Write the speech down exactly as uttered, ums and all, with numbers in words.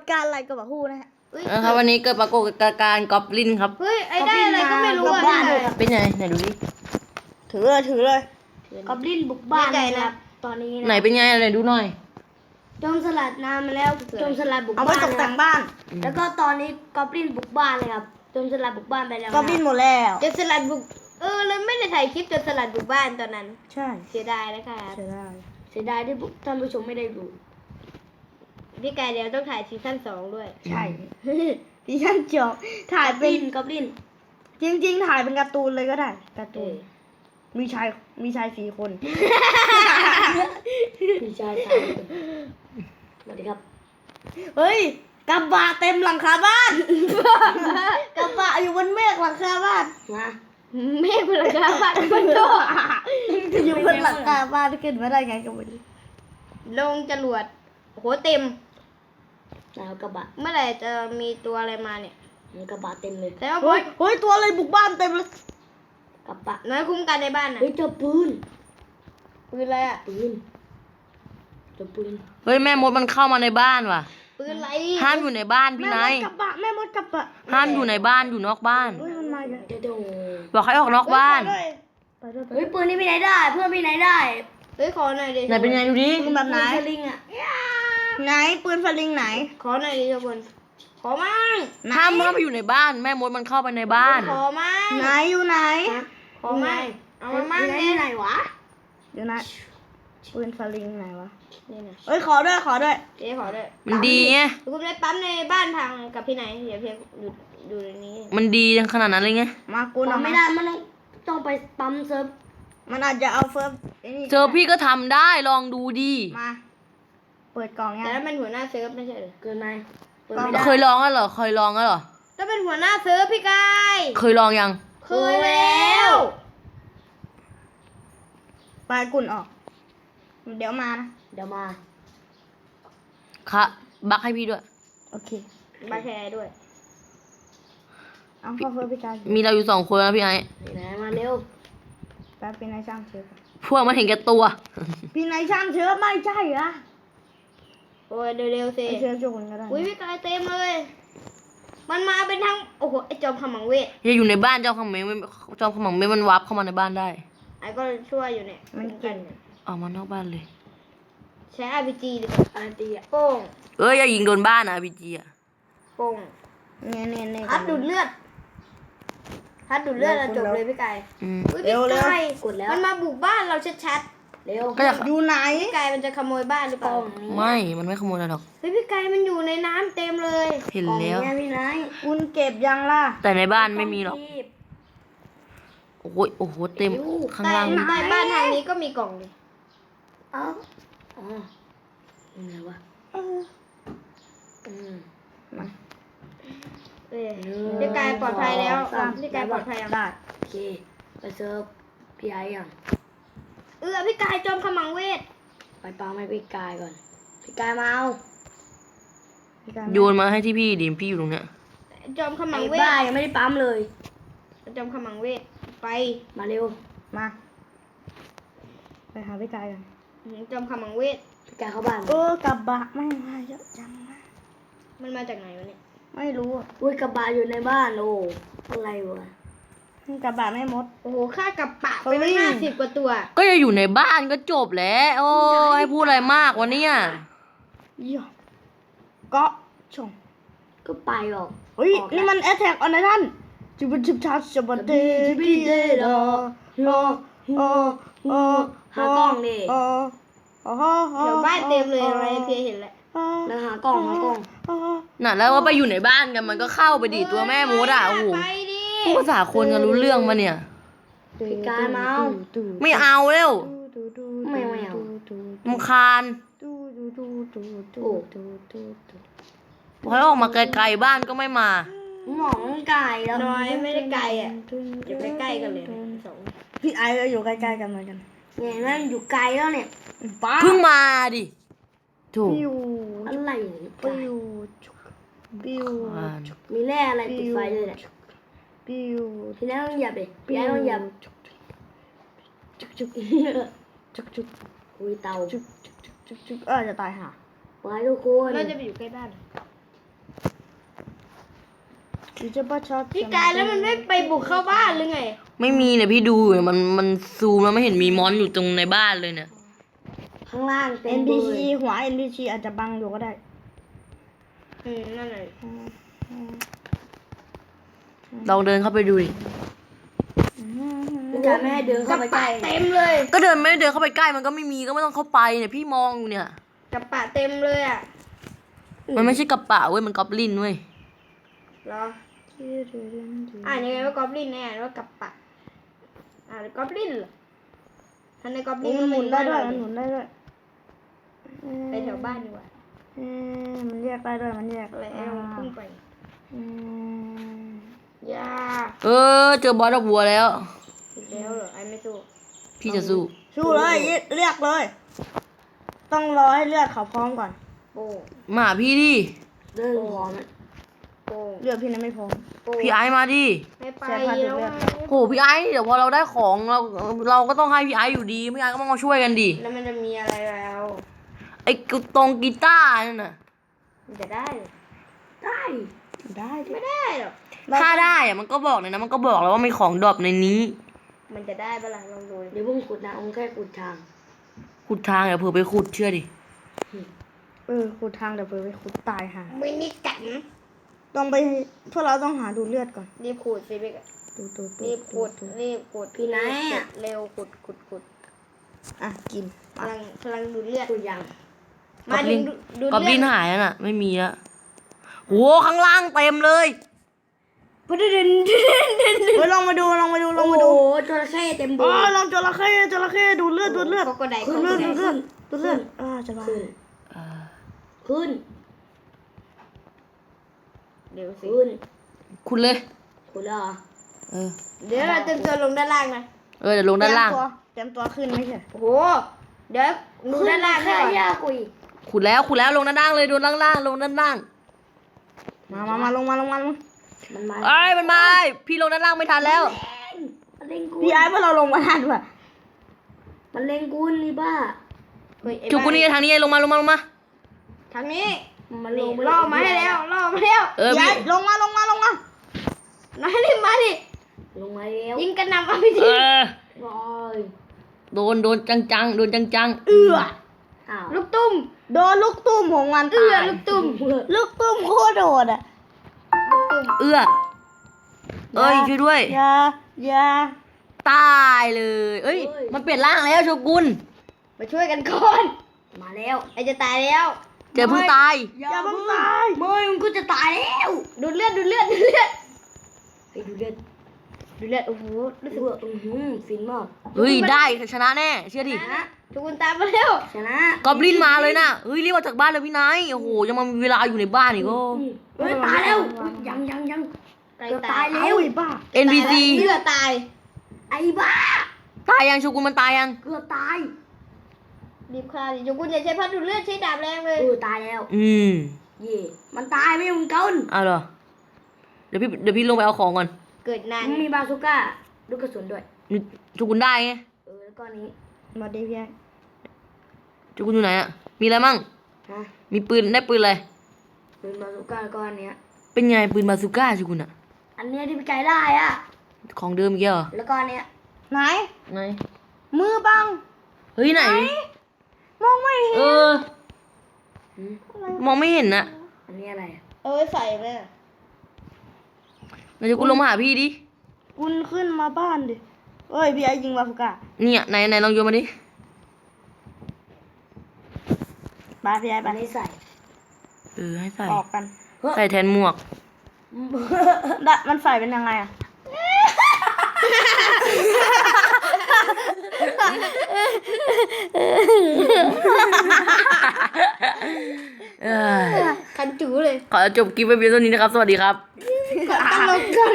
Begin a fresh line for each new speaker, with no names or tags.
การณ์อะไรกับฮู้นะฮะ
นะครับวันนี้เกิดปรากฏการณ์กอบลินครับ
เฮ้ยไอ้ได้อะไรก็ไม่รู้อ่ะ
เป็นไงไหนดูดิ
ถือเลยถือเลย
กอบลินบุกบ้านนะครับตอนนี้นะ
ไหนเป็นไงไหนดูหน่อย
โจมสลัดน้ำมาแล้วโจมสลัดบุก
เอาไป
บ้าน
ตกแต่งบ้าน
แล้วก็ตอนนี้กอบลินบุกบ้านเลยครับโจมสลัดบุกบ้านไปแล้ว
ก็บินหมดแล้ว
โจมสลัดบุกเออเลยไม่ได้ถ่ายคลิปโจมสลัดบุกบ้านตอนนั้น
ใช่
เสียดายนะคะ
ใช่ได้
เสียดายที่ท่านผู้ชมไม่ได้ดูพี่กายเดี๋ยวต้องถ่ายซีซั่นสองด้วย
ใช่ดิฉันจบถ่ายเป็น
กอบลิน
จริงๆถ่ายเป็นการ์ตูนเลยก็ได้การ์
เอ
ตูน
อ
มีชายมีชายสี่คน
พี่ชายสามคนสวัสดีครับ
เฮ้ยกระบะเต็มหลังคาบ้าน กระบะอยู่บนเมฆหลังคาบ้าน
นะเมฆพลังงานบ้านมันโต
อยู่บนหลังคาบ้านขึ้นมาได้ไงก็ไม่รู้
ลงจรวดโอ้โหเต็มแล้วกระบะเมื่อไหร่จะมีตัวอะไรมาเนี่ยมันกระบะเต็มเลยแต่ว่า
เฮ้ยเฮ้ยตัวอะไรบุกบ้านเต็มเลย
กระบะน้อยคุ้มกันในบ้านนะเฮ้ยเจอปืนปืนอะไรอ่ะปืนเจอปืน
เฮ้ยแม่มดมันเข้ามาในบ้านว่ะ
ปืนอะไร
ห้ามอยู่ในบ้านพี่
แม่
นาม ย
ดกระบะแม่มดกระบะ
ห้ามอยู่ในบ้านอยู่นอกบ้าน
เฮ้ยมันมาอีกแล้ว
เดี๋ยวเดี๋ยว
บอกให้ออกนอกบ้าน
ไปด้วยไปด้วย
เฮ้ยปืนนี่พี่ไหนได้เพื่อนพี่ไหนได้เฮ้ยขอหน่อยดิ
ไหนเป็นไงดูดิ
ปืนแบบไหน
ปืสลิงอ่ะ
ไหนปืนฟลิงไหน
ขอหน่อยดิทุกคนขอมั่ง
ห้ามเข้าไปอยู่ในบ้าน แม่มดมันเข้าไปในบ้าน
ขอมั่ง
ไหนอยู่ไหน
ขอมั่งเอามามั่งเนี่ยไหนวะ
เดี๋ยวนะปืนฟลิงไหนวะ
นี่นะ
เอ้ยขอด้วยขอด้วย
เจ๊ขอด้วย
มันดีไง
คุณได้ปั๊มในบ้านทางกับพี่ไหนเดี๋ยวเพียงอยู่อยู่ในนี้
มันดีขนาดนั้นเลยไง
มากู
ปั๊
เอา
ม
มา
ไม่ได้มันต้องต้องไปปั๊มเซิร์ฟ
มันอาจจะเอาเฟิร์สไอ้นี่
เจอพี่ก็ทำได้ลองดูดี
มา เปิดกล่องยัง
แต่ถ้าเป็นหัวหน้าเซิร์ฟไม่ใช่เหรอเกินไหมเปิด
ต้อง
ไม่ได้
เคยลองแล้วเหรอเคยลองแล้วเหรอ
ถ้าเป็นหัวหน้าเซิร์ฟพี่กาย
เคยลองยัง
เคยแล้ว
ปลายกุ่นออก เดี๋ยวมานะ
เดี๋ยวมา
ค่ะบักให้พี่ด้วย
โอเค
มาแชร์ด้วย
เอาเข้าเฟิร์สพี่กาย
มีเราอยู่สองคนนะพี่ไอ้
พี่ไหนมาเร็ว
แป๊บพี่นายช่างเชื้อ
พวกมันเห็นแก่ตัว
พี่นายช่างเชื้อไม่ใช่เหรอ
โอ้ยเร็วๆสิ
ไอเชื้อจุกนก็ได้
อุ้ยพี่กายเต็มเลย มันมาเป็นทั้งโอ้โหไอจอมขมังเวท
อย่าอยู่ในบ้านเจ้าขมังเมฆเจ้าขมังเมฆมันวับเข้ามาในบ้านได้
ไอ้ก็ช่วยอยู่เนี่ย
มันเก่ง
ออกมานอกบ้านเลย
ใช้ อาร์ พี จี ดีกว่า อาร์ พี จี อ่ะโป้ง
เอ้ยอย่ายิงโดนบ้านนะพี่จีอ่ะ
โป้ง
เนี่ยเนี่ยเนี่ย
ฮัดดูดเลือดฮัดดูดเลือดเราจบเลยพี่กาย
อืม
อุ๊ยพี่กายกดแล้วมันมาบุกบ้านเราชัดๆเร็ว
ก็จะ
อยู่ไหน
พี่กายมันจะขโมยบ้านหรือเปล่า
ไม่มันไม่ขโมยอะไรหรอก
เฮ้ยพี่กายมันอยู่ในน้ำเต็มเลย
เห็นแล้ว
กล่องเนี่ยพี่นาย
คุณเก็บยังล่ะ
แต่ในบ้านไม่มีหรอกโอ้ยโอ้โหเต็มข้างล่าง
ใต้บ้านทางนี้ก็มีกล่องเลย
เอ้า
อ๋ออะไรวะ
เออ
อืม
มา
เอ้ยพี่กายปลอดภัยแล้วพี่กายปลอดภัยยัง
ได้
โอเคไปเซิร์ฟพี่ไอ้ยังเออพี่กายจอมขมังเวทไปปั๊มให้พี่กายก่อนพี่กายมาเอา
พี่กาย
โยนมาให้ที่พี่ดิพี่อยู่ตรงเนี้ย
จอมขมังเวทบ้ายังไม่ได้ปั๊มเลยจอมขมังเวทไปมาเร็ว
มา ไปหาพี่กายกัน
จอมขมังเวทพี่กายเข้าบ้าน
เออกระบะไม่มาเยอะจังนะ
มันมาจากไหนวะเนี่ย
ไม่รู้อ่ะ
อุ้ยกระบะอยู่ในบ้านโอ้อะไรวะ
กระบะไม่มด
โอ้โหค่ากระปะไปห้าสิบกว่าตัว
ก็อย่าอยู่ในบ้านก็จบแล้วโอ้ยให้พูดอะไรมากวะเนี่ย
เยี่ยเกาะชง
ก็ไปหรอก
เฮ้ยนี่มันแอทแทกออนไลทันจิบจิบชาจิบเดกิเดดอโลโอโอ
หากล้องดิ
โอโอ้โห
เดี๋ยวบ้านเต็มเลยอะไรเพียเห็นแล้วแล้วหากล้องหากล้อง
น่ะแล้วว่าไปอยู่ในบ้านกันมันก็เข้าไปดิตัวแม่มดอ่ะโอ้โห
ไปดิ
พูดภาษาคนกันรู้เรื่องมาเนี่ย
พี่กายมาเอา
ไม่เอาเร็ว
ไม่ไม่เอา
รำคาญ
โอ้
พอออกมาไกลๆบ้านก็ไม่มา
หมองไก่แล้วน้อยไม่ได้ไก่อ่ะอยู่ใกล้ๆกันเลยสอง
พี่ไอก็อยู่ใกล้ๆกันเหมือนกัน
เนี่ยนั่นอยู่ไกลแล้วเนี่ย
ป้า
เพิ่งมาดิถูก
ปิว
อะไรเนี่ย
ปิวปิว
อ่าน
มีแร่อะไรติดไฟเลยเนี่ย
ปิว
พี่น้าต้องหยับดิพี่น้าต้องหยับ
จุกจุกจุกจุก
อุ้ยเตา
จุกจุกจุกจุกเออจะตายห่า
ไว้ทุกคนเราจะไปอยู่ใกล้บ้าน
จิจะประชด
พี่กายแล้วมันไม่ไปบุกเข้าบ้านหรือไง
ไม่มีเนี่ยพี่ดูอยู่มันมันซูมแล้วไม่เห็นมีมอนอยู่ตรงในบ้านเลยเนี่ย
ข้างล่างเต็
เอ็
ม
น
เล
พี
ย
ซีหัว เอ็น พี ซี อาจจะบังอยู่ก็ได้
อืมนั่นเลย
ลองเดินเข้าไปดูดิ
พี่กายไม่ให้เดินเข้าไปใกล้เต็มเลย
ก็เดินไม่ได้เดินเข้าไปใกล้มันก็ไม่มีก็ไม่ต้องเข้าไปเนี่ยพี่มองอยู่เนี่ย
กระปะเต็มเลยอ่ะ
มันไม่ใช่กระปะเว้ยมันกอบลินเว้ย
เหรออ่านยังไงว่ากอบลินแน่ว่ากระปะอ่านกอบลินเหรอท่านในกอบลิน
มันหมุนได้ด้วยมันหมุนได้ด้วย
ไปแถวบ้านดีกว่า
เอ๊ะมันแยกได้ด้วยมันแยก
อะไร
อ่า
เอาพุ่งไป
อืม
ยา
เออเจอบอสดอกบัวแล้ว
อีกแล้วเหรอไอ้ไม่สู้
พี่จะสู้
สู้เลยเรียกเลย ต้องรอให้เลือดเขาพร้อมก่อน
โป้ง
มาหาพี่ดิ
เดินพร้อมโป้ง
เลือดพี่นั้นไม่พร้อม
โป้ง
พี่ไอซ์มาดิ
ไม่ไป
เสียค่า
แล้ว
เลือด
ไง
โหพี่ไอซ์เดี๋ยวพอเราได้ของเราเราก็ต้องให้พี่ไอซ์อยู่ดีพี่ไอซ์ก็ต้องมาช่วยกันดิ
แล้วมันจะมีอะไรแล้ว
ไอ้ตรงกีตาร์นั่นน่ะ
มันจะได้เหรอได้
ได้ดิ
ไม่ได้หรอก
ถ้าได้อะมันก็บอกเลยนะมันก็บอกแล้วว่ามีของดรอปในนี้
มันจะได้ปะล่ะลองดูเดี๋ยวพุ่งขุดนะองแค่ขุดทาง
ขุดทางเดี๋ยวเผื่อไปขุดเชื่อดิ
เออขุดทางเดี๋ยวเผื่อไปขุดตายหา
ไม่มีกัน
ต้องไปพวกเราต้องหาดูเลือดก่อน
รีบขุดสิพี่กะ
ดูดูดู
รีบขุด
ดู
รีบขุดพี่นายอ่ะเร็วขุดขุดขุด
อ่ะกิน
กำลังกำลังดูเลือดขุดยัง
ก
มา
อบ
ถึ
ลิ
ง
น
ดูดู
กอบ
เลื
ลิ
อน ด
หายแล้วน่ะ ไม่มีแล้วโหข้างล่างเต็มเลย
พุดเดินเดินเดิน
เฮ้ยลองมาดูลองมาดูลองมาดู
จระเข้เต็ม
อ๋
บ่
อลองจระเข้จระเข้ดูเลือดดูเลือด
ก็ได้
ดูเลือดดูเลือดดูเลือดอ่าจะมา
ขึ้นเดี๋ยวสิขึ้น
คุณเลย
ขุดแล้วเหรอ
เออ
เดี๋ยวเราจะจะลงด้านล่างนะ
เออเดี๋ยวลงด้านล่าง
เตรียมตัวขึ้นไม่ใช่
โอ้โหเดี๋ยวดูด้านล่างแค่ยากกุย
ขุดแล้วขุดแล้วลงด้านล่างเลยดูด้านล่างลงด้านล่าง
มามามาลงมาลงมาลง
มันมา
เอ้ยมันมาพี่ลงด้านล่างไม่ทันแล้ว
มันเล่งกู
พี่ไอ้พวกเราลงมาทันว่ะ
มันเล่งกูนี่บ้า
จุกกูนี่ทางนี้ลงมาลงมาลงมา
ทางนี้มันลงล่อมาให้แล้วล่อมาแล้ว
เออ
พี่
พี่
ไอ้ลงมาลงมาลงมา
นายรีบมาดิลงมาแล้วยิงกันนำเอาไป
เอ
ที
อ
โอ้ย
โดนโดนจังจังๆโดนจังจังๆ
เอื้อ
ลูกตุ้ม
โดนลูกตุ้มของมัน
เอื้อ
ตาย
ลูกตุ้ม
ลูกตุ้มโคตรโดดอ่ะ
ลูกตุ้ม
เอื้อเอ้ยช่วยด้วย
อย่าอย่า
ตายเลย เอ้ย มันเปลี่ยนร่างแล้วโชกุน
มาช่วยกันก่อนมาแล้วไอจะตายแล้ว
เจอเพิ่งตาย
อย่าเพิ่งตาย
ไม่มึงก็จะตายแล้วดูดเลือดดูดเลือดดูดเลือดไปดูเลือดดูเลือดโอ้โหรู้สึกว่าอือหือฟินมาก
เฮ้ยได้ชนะแน่เชื่อดิ
ชนะทุกคนตามมาแล้วชนะ
กอบลินมาเลยนะเฮ้ยรีบออกจากบ้านเลยพี่นายโอ้โหยังมามีเวลาอยู่ในบ้านอีกก็
เฮ้ยตายแล้วยังยังยังจะตายแล้ว
เอ้ยบ้า
เอ็น พี ซี
เลือดตายไอ้บ้า
ตายยังโชกุนมันตายยัง
เกือบตายรีบฆ่าดิทุกคนอย่าใช้พัดดูดเลือดใช้ดาบแรงเลยเออตายแล้ว
อืม
เย่มันตายไม่มึงเกิน
เอาเหรอเดี๋ยวพี่เดี๋ยวพี่ลงไปเอาของก่อน
เกิดนานมีบาซูก้าลูกกระสุนด้วย
นี่โชกุนได้ไง
เออแล้วก็นี้
มาดีพี่ไอ้
โชกุนอยู่ไหนอะมีอะไรมั่ง
ฮะ
มีปืนได้ปืนอะไร
เป็นบาซูก้าแล้วก็อันเนี้ย
เป็นไงปืนบาซูก้าโชกุนอะ
อันเนี้ยที่พี่ไก่ได้อ่ะ
ของเดิมอีกเหรอ
แล้วก็อันเนี้ย
ไหน
ไหน
มือบัง
เฮ้ยไหน
มองไม่เห็น
เออ มองไม่เห็นนะ
อันนี้อะไร
เอ้ยใส่เลย
เดี๋ยวกูลงมาหาพี่ดิ
คุณขึ้นมาบ้านดิเอ้ยพี่ไอ้ยิงบาฟุก้า
เนี่ยไหนไหนลองโยนมาดิ
ไปพี่ไอ้ไป
อันนี้ใส่
เออให้ใส่
ออกกัน
ใส่แทนหมวก
ได้มันใส่เป็นยังไงอ่ะ
เออ
คันจูเลย
ขอจบคลิปไว้เพียงเท่านี้นะครับ สวัสดีครับ
ตลก